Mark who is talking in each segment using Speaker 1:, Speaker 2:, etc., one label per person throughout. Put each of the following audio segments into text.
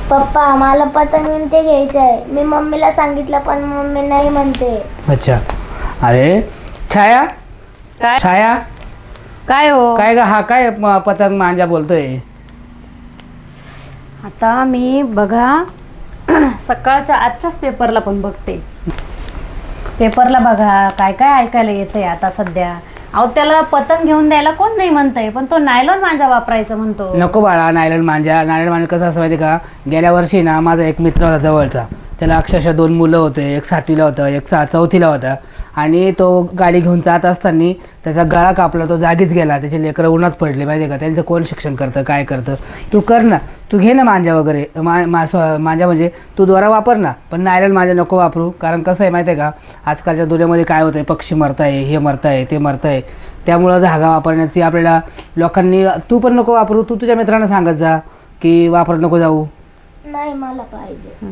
Speaker 1: पप्पा मला पतंग ते घ्यायचं आहे. मी मम्मीला सांगितलं पण मम्मी नाही म्हणते.
Speaker 2: अच्छा. अरे छाया,
Speaker 3: काय
Speaker 2: छाया
Speaker 3: काय हो?
Speaker 2: काय ग, हा काय पतंग मांजा बोलतोय?
Speaker 3: आता मी बघा सकाळच्या आजच्याच पेपरला पण बघते. पेपरला बघा काय काय ऐकायला येतंय आता सध्या. अहो त्याला पतंग घेऊन द्यायला कोण नाही म्हणतंय, पण तो नायलॉन मांजा वापरायचं म्हणतो.
Speaker 2: नको बाळा, नायलॉन मांजा कसं असं माहिती का, गेल्या वर्षी ना माझा एक मित्र होता जवळचा, त्याला अक्षरशः 2 मुलं होते. एक 7वीला होतं, एक 4थीला होता. आणि तो गाडी घेऊन जात असताना त्याचा गळा कापला, तो जागीच गेला. त्याचे लेकरं उन्हात पडले माहिती का. त्यांचं कोण शिक्षण करतं, काय करतं? तू कर ना, तू घे ना मांजा वगैरे. मांजा म्हणजे तू दोरा वापर ना, पण नायलॉन मांजा नको वापरू. कारण कसं आहे माहिती आहे का, आजकालच्या दुनियामध्ये काय होतं आहे, पक्षी मरताय, हे मरताय, ते मरताय. त्यामुळं धागा वापरण्याची आपल्याला लोकांनी, तू पण नको वापरू. तू तुझ्या मित्रांना सांगत जा की वापरत नको जाऊ.
Speaker 1: नाही मला पाहिजे.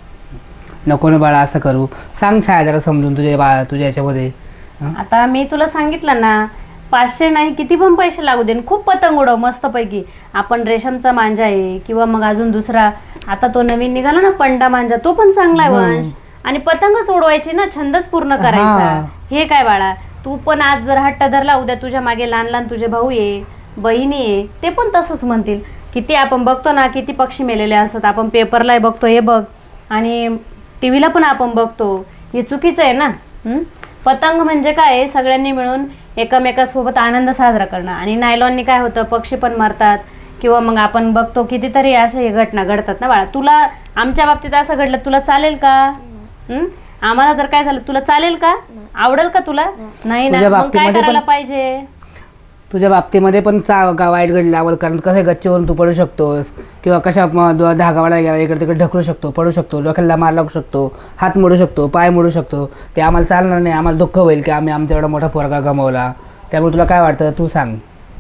Speaker 2: नको ना बाळा, असं करू. सांग छाया जरा समजून तुझ्या याच्यामध्ये.
Speaker 3: आता मी तुला सांगितलं ना, 500 नाही किती पण पैसे लागू दे, खूप पतंग उडव मस्तपैकी. आपण रेशमचा मांजा आहे किंवा मग अजून दुसरा आता तो नवीन निघाला ना पंडा मांजा, तो पण चांगला आहे वंश. आणि पतंगच उडवायची ना, छंदच पूर्ण करायचा. हे काय बाळा, तू पण आज जर हट्ट धरला, उद्या तुझ्या मागे लहान लहान तुझे भाऊ आहे, बहिणी आहे, ते पण तसंच म्हणतील. किती आपण बघतो ना, किती पक्षी मेलेले असतात. आपण पेपरलाही बघतो, हे बघ, आणि टीव्हीला पण आपण बघतो. हे चुकीचं आहे ना. पतंग म्हणजे काय, सगळ्यांनी मिळून एकमेकांसोबत आनंद साजरा करणं. आणि नायलॉननी काय होतं, पक्षी पण मरतात किंवा मग आपण बघतो कितीतरी अशा घटना घडतात ना बाळा. तुला आमच्या बाबतीत असं घडलं, तुला चालेल का? आम्हाला जर काय झालं, तुला चालेल का? आवडेल का तुला? नाही ना. मग काय करायला पाहिजे?
Speaker 2: तुझ्या बाबतीमध्ये पण वाईट घडलं, कारण कसं गच्चीवरून तू पडू शकतोस किंवा कशा धागावाला गेला इकडे तिकडे ढकलू शकतो, पडू शकतो, डोक्याला मार लागू शकतो, हात मोडू शकतो, पाय मोडू शकतो. ते आम्हाला चालणार नाही. आम्हाला दुःख होईल की आम्ही आमचा एवढा मोठा पोरगा गमावला. त्यामुळे तुला काय वाटतं, तू सांग.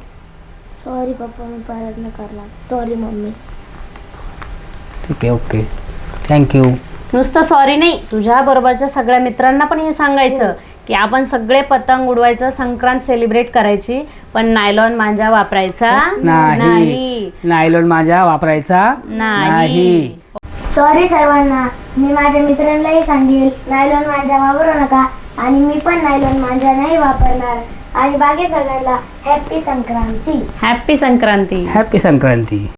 Speaker 1: सॉरी पप्पा, मी परत नाही करणार. Sorry mummy.
Speaker 2: ठीक आहे, ओके, थँक्यू.
Speaker 3: नुसतं सॉरी नाही, तुझ्या बरोबरच्या सगळ्या मित्रांना पण हे सांगायचं की आपण सगळे पतंग उडवायचं, संक्रांत सेलिब्रेट करायची, पण नायलॉन मांजा वापरायचा नाही.
Speaker 2: नायलॉन मांजा वापरायचा नाही.
Speaker 1: सॉरी सर्वांना. मी माझ्या मित्रांनाही सांगेल नायलॉन मांजा वापरू नका, आणि मी पण नायलॉन मांजा नाही वापरणार. आणि बाकी सगळ्यांना happy Sankranti.
Speaker 3: Happy Sankranti.
Speaker 2: Happy Sankranti.